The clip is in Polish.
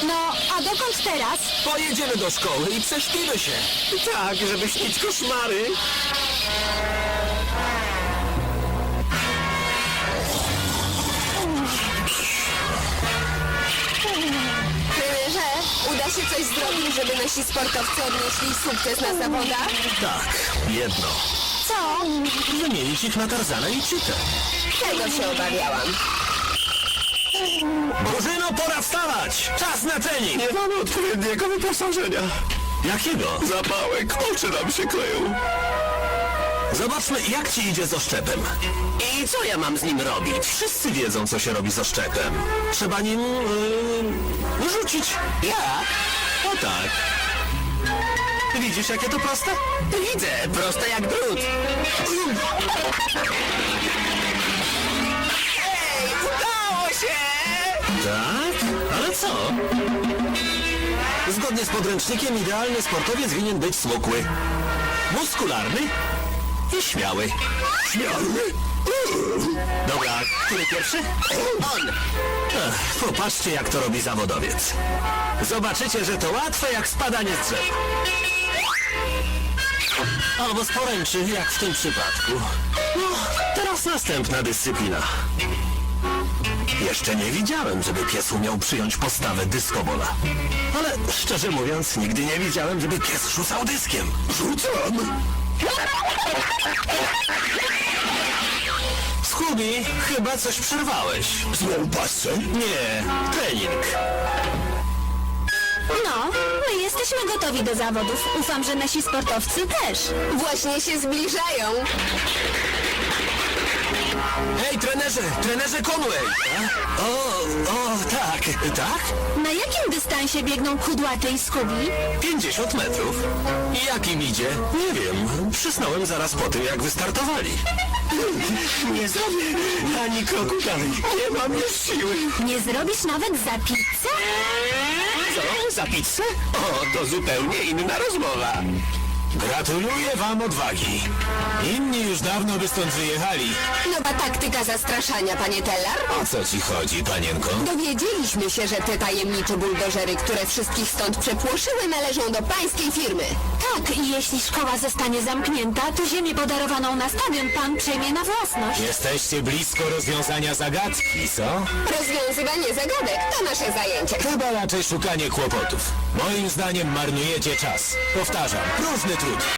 No, a dokąd teraz? Pojedziemy do szkoły i prześpimy się. Tak, żeby śnić koszmary. Trenerze, uda się coś zrobić, żeby nasi sportowcy odnieśli sukces na zawodach? Tak, jedno. Co? Wymienić ich na Tarzana i Cheetę. Tego się obawiałam. Drużyno, pora wstawać! Czas na trening! Nie mamy odpowiedniego wyposażenia. Jakiego? Zapałek, oczy nam się kleją. Zobaczmy, jak ci idzie z oszczepem. I co ja mam z nim robić? Wszyscy wiedzą, co się robi z oszczepem. Trzeba nim... rzucić. Jak? O tak. Widzisz, jakie to proste? Widzę, proste jak drut. Ej, udało się! Tak? Ale co? Zgodnie z podręcznikiem idealny sportowiec winien być smukły, muskularny i śmiały. Śmiały? Dobra, który pierwszy? On! Popatrzcie, jak to robi zawodowiec. Zobaczycie, że to łatwe jak spadanie z drzewa. Albo z poręczy, jak w tym przypadku. No, teraz następna dyscyplina. Jeszcze nie widziałem, żeby pies umiał przyjąć postawę dyskobola. Ale szczerze mówiąc, nigdy nie widziałem, żeby pies rzucał dyskiem. Rzucam! Scooby, chyba coś przerwałeś. Znowu pasce? Nie, trening. No, my jesteśmy gotowi do zawodów. Ufam, że nasi sportowcy też. Właśnie się zbliżają. Hej, trenerze Conway! O, tak, tak? Na jakim dystansie biegną Kudłaty i Scooby? 50 metrów. I jak im idzie? Nie wiem. Przysnąłem zaraz po tym, jak wystartowali. Nie zrobię ani kroku dalej. Nie mam już siły. Nie zrobisz nawet za pizzę? Co? Za pizzę? O, to zupełnie inna rozmowa. Gratuluję wam odwagi. Inni już dawno by stąd wyjechali. Nowa taktyka zastraszania, panie Teller. O co ci chodzi, panienko? Dowiedzieliśmy się, że te tajemnicze buldożery, które wszystkich stąd przepłoszyły, należą do pańskiej firmy. Tak, i jeśli szkoła zostanie zamknięta, to ziemię podarowaną na stadion pan przejmie na własność. Jesteście blisko rozwiązania zagadki, co? Rozwiązywanie zagadek to nasze zajęcie. Chyba raczej szukanie kłopotów. Moim zdaniem marnujecie czas. Powtarzam, próżny trud.